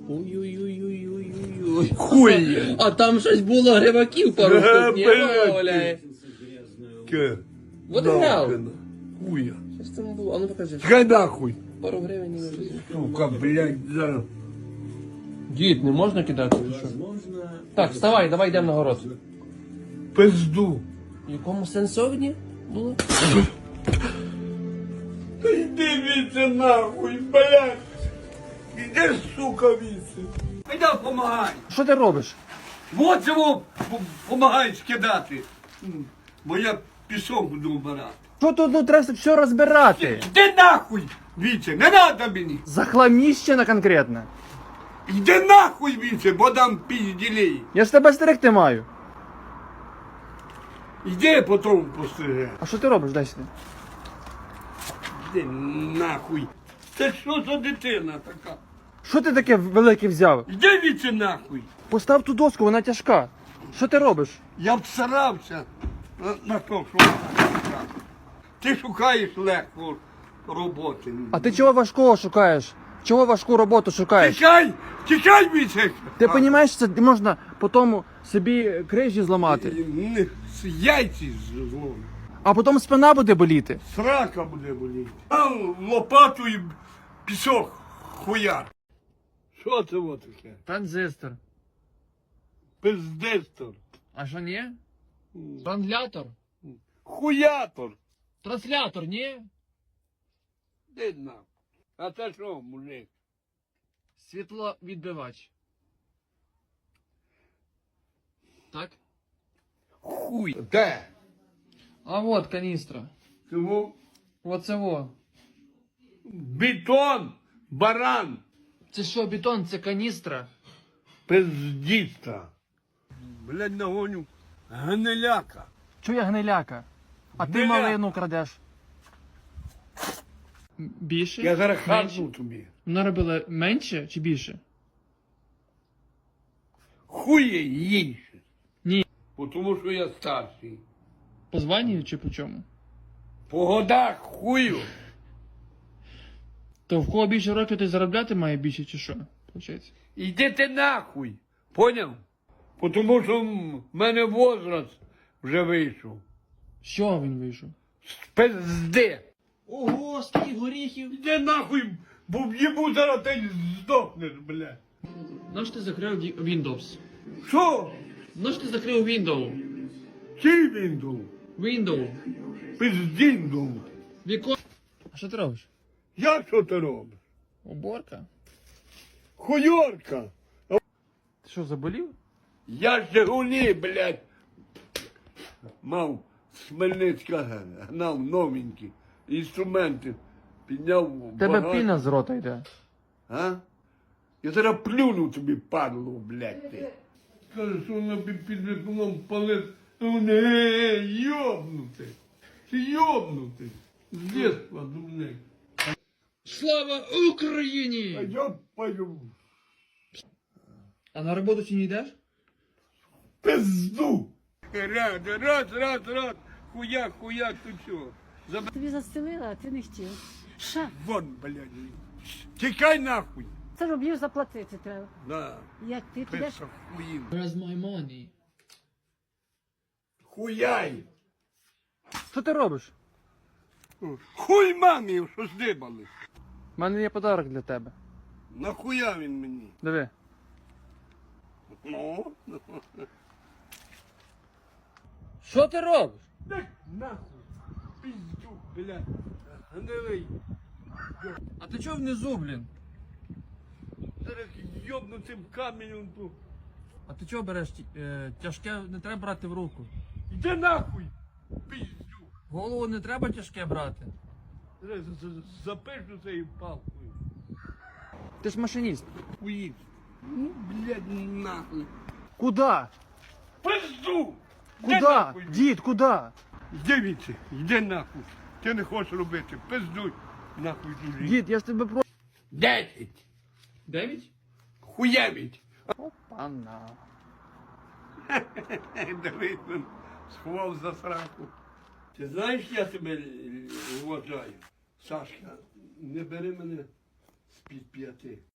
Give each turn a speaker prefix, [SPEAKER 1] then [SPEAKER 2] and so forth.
[SPEAKER 1] Ой-ой-ой-ой-ой-ой.
[SPEAKER 2] Хуй!
[SPEAKER 1] А там щось було гриваків пару штук, ні?
[SPEAKER 2] блядь.
[SPEAKER 1] Валяє.
[SPEAKER 2] Ке?
[SPEAKER 1] Вот і грав.
[SPEAKER 2] Хуя.
[SPEAKER 1] Що ж це було? А ну покажи.
[SPEAKER 2] Хай нахуй.
[SPEAKER 1] Пару гривень і вже.
[SPEAKER 2] Сука, блядь, зараз.
[SPEAKER 1] Дід, не можна кидати? Чи що? Так, вставай, давай йдемо на город.
[SPEAKER 2] Пизду.
[SPEAKER 1] В якому сенсовні було?
[SPEAKER 2] Та йди віце нахуй, блядь. Іди, сука, віце. Іди, помагай.
[SPEAKER 1] Що ти робиш?
[SPEAKER 2] Вот цього помагай скидати. Бо я пісок буду вбирати.
[SPEAKER 3] Що тут ну, треба все розбирати?
[SPEAKER 2] Іди нахуй, віце, не надо мені.
[SPEAKER 3] Захламіщено конкретно.
[SPEAKER 2] Іди нахуй, віце, бо дам пізділей.
[SPEAKER 3] Я ж тебе стерегти маю.
[SPEAKER 2] Іди потім постриже.
[SPEAKER 3] А що ти робиш, дай сюди?
[SPEAKER 2] Іди нахуй. Це що за дитина така?
[SPEAKER 3] Що ти таке велике взяв?
[SPEAKER 2] Іди віце нахуй.
[SPEAKER 3] Постав ту доску, вона тяжка. Що ти робиш?
[SPEAKER 2] Я всарався на то, що вона така. Ти шукаєш легку роботи.
[SPEAKER 3] А ти чого важкого шукаєш? Чого важку роботу шукаєш?
[SPEAKER 2] Тікай! Тікай, віце!
[SPEAKER 3] Ти розумієш, це можна потім собі крижі зламати,
[SPEAKER 2] Яйці зловлю.
[SPEAKER 3] а потім спина буде боліти.
[SPEAKER 2] Срака буде боліти. А лопату і пісок хуяр. Що це вот таке?
[SPEAKER 3] Транзистор.
[SPEAKER 2] Пиздистор.
[SPEAKER 3] А що ні? Транслятор.
[SPEAKER 2] Хуятор.
[SPEAKER 3] Транслятор, ні?
[SPEAKER 2] Де нам? А це що, мужик?
[SPEAKER 3] Світловідбивач. Так?
[SPEAKER 2] Хуй. Де?
[SPEAKER 3] А от каністра.
[SPEAKER 2] Чому?
[SPEAKER 3] Оце во.
[SPEAKER 2] Бетон, баран,
[SPEAKER 3] Це що, бетон, це каністра?
[SPEAKER 2] пиздіста. Блядь, нагоню гниляка.
[SPEAKER 3] Чого я гниляка? А ти
[SPEAKER 2] Гниляка.
[SPEAKER 3] малину крадеш. Більше?
[SPEAKER 2] Я зараз
[SPEAKER 3] Менше?
[SPEAKER 2] хапну тобі.
[SPEAKER 3] Вона робила менше чи більше?
[SPEAKER 2] Хує їйше.
[SPEAKER 3] Ні.
[SPEAKER 2] Тому що я старший.
[SPEAKER 3] По званню чи по чому?
[SPEAKER 2] По годах хую.
[SPEAKER 3] То в кого більше років, той заробляти має більше чи що? Получається.
[SPEAKER 2] Іди ти нахуй. Поняв? Тому що в мене возраст вже вийшов.
[SPEAKER 3] З чого він вийшов?
[SPEAKER 2] З пизди.
[SPEAKER 3] Ого, скільки горіхів!
[SPEAKER 2] Іди нахуй, бо в'їбу зараз ти здохнеш, блядь.
[SPEAKER 3] Наш ти закрив Windows?
[SPEAKER 2] Що?
[SPEAKER 3] Наш ти закрив Windows?
[SPEAKER 2] Чий він дув?
[SPEAKER 3] Windows.
[SPEAKER 2] Пиздін дув.
[SPEAKER 3] Вікон. А що ти робиш?
[SPEAKER 2] Я що ти робиш?
[SPEAKER 3] Уборка.
[SPEAKER 2] Хуйорка.
[SPEAKER 3] Ти що, заболів?
[SPEAKER 2] Я Жигулі, блядь. Мав з Хмельницька гнав новенькі інструменти. Підняв
[SPEAKER 3] Тебе
[SPEAKER 2] багаж.
[SPEAKER 3] піна з рота йде.
[SPEAKER 2] А? Я зараз плюну тобі, падло, блядь, ти. Каже, що вона під вікном палить. Не, йобнути. Ти йобнути. З дєтства, дурник.
[SPEAKER 3] Слава
[SPEAKER 2] А
[SPEAKER 3] Україні!
[SPEAKER 2] я пою
[SPEAKER 3] А на роботу чи не йдеш?
[SPEAKER 2] пизду. Раз. Хуяк, тут що?
[SPEAKER 4] Тобі застелила, а ти не хотів. Ша,
[SPEAKER 2] Вон, блядь. Тікай нахуй.
[SPEAKER 4] це рублів заплатити треба.
[SPEAKER 2] Да.
[SPEAKER 4] Як ти підеш?
[SPEAKER 2] Писа хуїн.
[SPEAKER 3] Where's my money?
[SPEAKER 2] Хуяй.
[SPEAKER 3] Що ти робиш?
[SPEAKER 2] Хуй мамі, що здибали.
[SPEAKER 3] У мене є подарок для тебе.
[SPEAKER 2] Нахуя він мені?
[SPEAKER 3] Диви.
[SPEAKER 2] Ну?
[SPEAKER 3] Що ти робиш?
[SPEAKER 2] Так нахуй. Пиздюк, блядь. Гнилий.
[SPEAKER 3] А ти чого внизу, блін?
[SPEAKER 2] Зараз йобну цим каменем тут.
[SPEAKER 3] А ти чого береш тяжке не треба брати в руку?
[SPEAKER 2] Іди нахуй. Пиздюк.
[SPEAKER 3] Голову не треба тяжке брати.
[SPEAKER 2] Зараз запишу цією палкою.
[SPEAKER 3] Ти ж машиніст.
[SPEAKER 2] Хуїв. Ну, блядь, нахуй.
[SPEAKER 3] Куда?
[SPEAKER 2] Пизду! Іди
[SPEAKER 3] Куда?
[SPEAKER 2] нахуй.
[SPEAKER 3] Дід, куда?
[SPEAKER 2] Йди віці, йди нахуй. Ти не хочеш робити, пиздуй. Нахуй чужий.
[SPEAKER 3] Дід, я ж тебе про...
[SPEAKER 2] 10.
[SPEAKER 3] 9?
[SPEAKER 2] Хуєвіть.
[SPEAKER 3] Опана.
[SPEAKER 2] Дивись, він сховав за сраку. Ти знаєш, я тебе вважаю? Сашка, не бери мене з-під п'яти.